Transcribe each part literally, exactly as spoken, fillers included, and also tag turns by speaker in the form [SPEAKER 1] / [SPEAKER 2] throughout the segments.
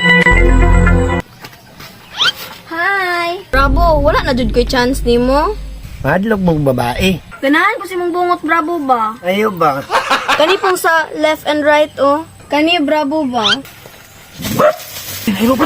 [SPEAKER 1] Hi! Bravo, wala na jud ko'y chance nimo.
[SPEAKER 2] Madlog mong babae.
[SPEAKER 1] Ganahan ko si mong bungot bravo ba?
[SPEAKER 2] Ayaw ba?
[SPEAKER 1] Kani pong sa left and right oh. Kani bravo ba?
[SPEAKER 2] Ayaw ba?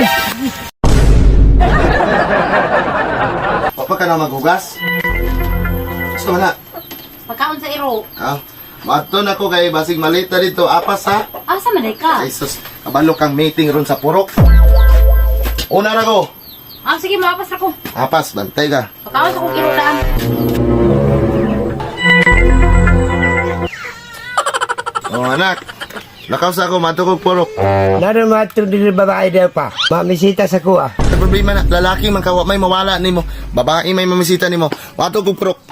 [SPEAKER 3] Papa ka na maghugas? Gusto mo na?
[SPEAKER 4] Pagkaon sa iro.
[SPEAKER 3] Ah, mato na ko kay basig malita dito. Apas ha?
[SPEAKER 4] Asa man day ka?
[SPEAKER 3] Ay sus, kabalo kang meeting ron sa purok. Una na ko.
[SPEAKER 4] Ah, sige, mapas ako.
[SPEAKER 3] Apas, bantay ka.
[SPEAKER 4] Pagkaon sa kong iro daan.
[SPEAKER 3] Oh anak, lakaw sa ako, mato kong purok.
[SPEAKER 2] Naro matro din babae daw pa. Mamisita sa kuha.
[SPEAKER 3] Ang problema na, lalaki man kawa may mawala nimo. Babae may mamisita nimo. Mato kong purok.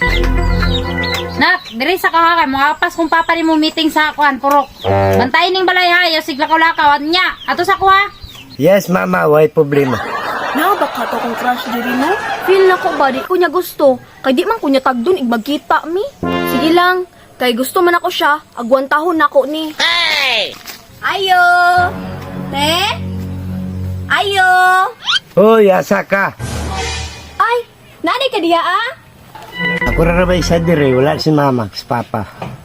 [SPEAKER 4] Nak, diri sa kahakan, mga apas kung papa ni mo meeting sa akuan, purok. Bantayin ning balay hayo, siglakaw-lakaw, niya. Ato sa kuha.
[SPEAKER 2] Yes, mama. Way problema.
[SPEAKER 1] Na baka to kong crush diri no? Feel na ko ba di ko niya gusto. Kay di man ko niya tagdon igmagkita mi. Sige lang, kay gusto man ako siya, agwan tahon nako ni. Hey! Ayo! Te? Ayo!
[SPEAKER 2] Hoy, asa ka?
[SPEAKER 1] Ay, nani ka diha ah?
[SPEAKER 2] Ako ra ba isa dire, wala si mama, si papa.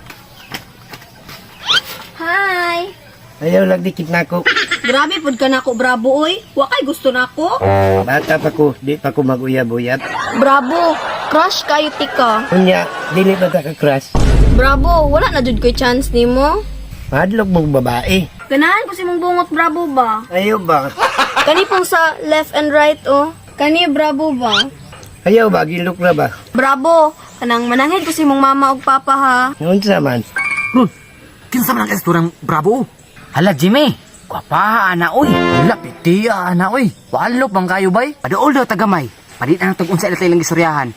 [SPEAKER 1] Hi!
[SPEAKER 2] Ayaw lang dikit na ako.
[SPEAKER 1] Grabe pud ka nako bravo oy. Wa kay gusto nako.
[SPEAKER 2] Bata pa ko, di pa ko mag-uyab-uyab.
[SPEAKER 1] Bravo, crush kayo tika.
[SPEAKER 2] Kunya, dili ba ta ka-crush?
[SPEAKER 1] Bravo, wala na jud ko'y chance nimo.
[SPEAKER 2] Madlog mong babae.
[SPEAKER 1] Ganahan ko si mong bungot bravo ba?
[SPEAKER 2] Ayaw ba?
[SPEAKER 1] Kani pong sa left and right oh. Kani bravo ba?
[SPEAKER 2] Ayaw ba? Gilok na ba?
[SPEAKER 1] Bravo, kanang mananghed ko si mong mama ug papa ha.
[SPEAKER 2] Noon sa man.
[SPEAKER 5] Ron, kinsa man ang kasturang bravo? Hala, Jimmy. Kwapa, ana, oy. Hala, pitiya, ana, oy. Walop bang kayo, bay? Padool daw tagamay. Padit na tag unsa ilang gisuryahan.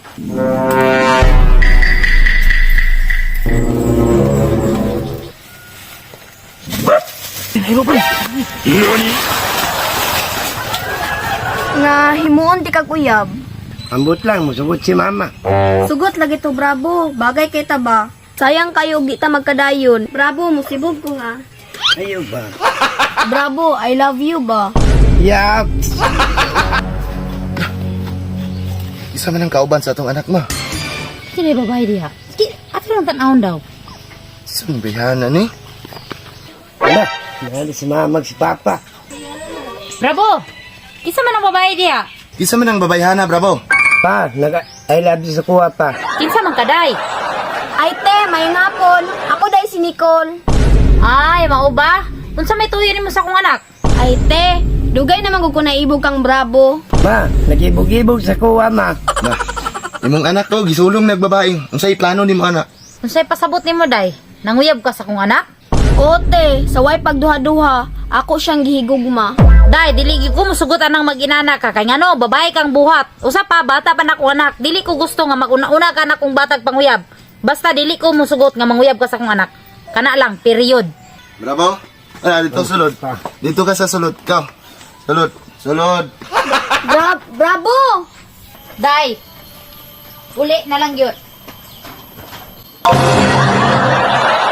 [SPEAKER 5] Tinayro pa.
[SPEAKER 1] Nga himuon di kag uyab.
[SPEAKER 2] Ambot lang, musugot si mama.
[SPEAKER 1] Sugot lagi to bravo, bagay kay ta ba? Sayang kayo ug di ta magkadayon. Bravo, musibog ko nga.
[SPEAKER 2] Ayaw ba?
[SPEAKER 1] Bravo, I love you ba?
[SPEAKER 2] Yap!
[SPEAKER 3] Isa man ang kauban sa atong anak mo.
[SPEAKER 4] Sino yung babae diha? Sige, ato lang tanahon daw.
[SPEAKER 3] Sumbihan na ni.
[SPEAKER 2] Wala, mahal si mama, si papa.
[SPEAKER 4] Bravo! Kisa man ang babae diha?
[SPEAKER 3] Isa man ang babayhana, bravo.
[SPEAKER 2] Pa, nag-I love you sa kuha pa.
[SPEAKER 4] Kinsa man kaday?
[SPEAKER 1] Ay te, may ngapon. Ako dai si Nicole.
[SPEAKER 4] Ay, mao ba? Unsa may tuyo nimo sa akong anak?
[SPEAKER 1] Ay te, dugay naman ko na ibog kang bravo.
[SPEAKER 2] Ma, nag-ibog-ibog sa kuha, ma.
[SPEAKER 3] Ma, imong anak ko, gisulong nagbabaing. Unsay plano nimo anak?
[SPEAKER 4] Unsay pasabot nimo day? Nanguyab ka sa akong anak?
[SPEAKER 1] Ote, saway pagduha-duha, ako siyang gihigugma.
[SPEAKER 4] Day, dili gyud ko musugutan ng mag-inana ka kay ngano, babae kang buhat. Usa pa bata pa nako anak, dili ko gusto nga maguna-una ka na kung batag panguyab. Basta dili ko musugot nga manguyab ka sa akong anak. Kana lang, period.
[SPEAKER 3] Bravo. Ah, dito sulod. Dito ka sa sulod. Ikaw. Sulod. Sulod.
[SPEAKER 1] Bra- bravo!
[SPEAKER 4] Day, uli na lang yun.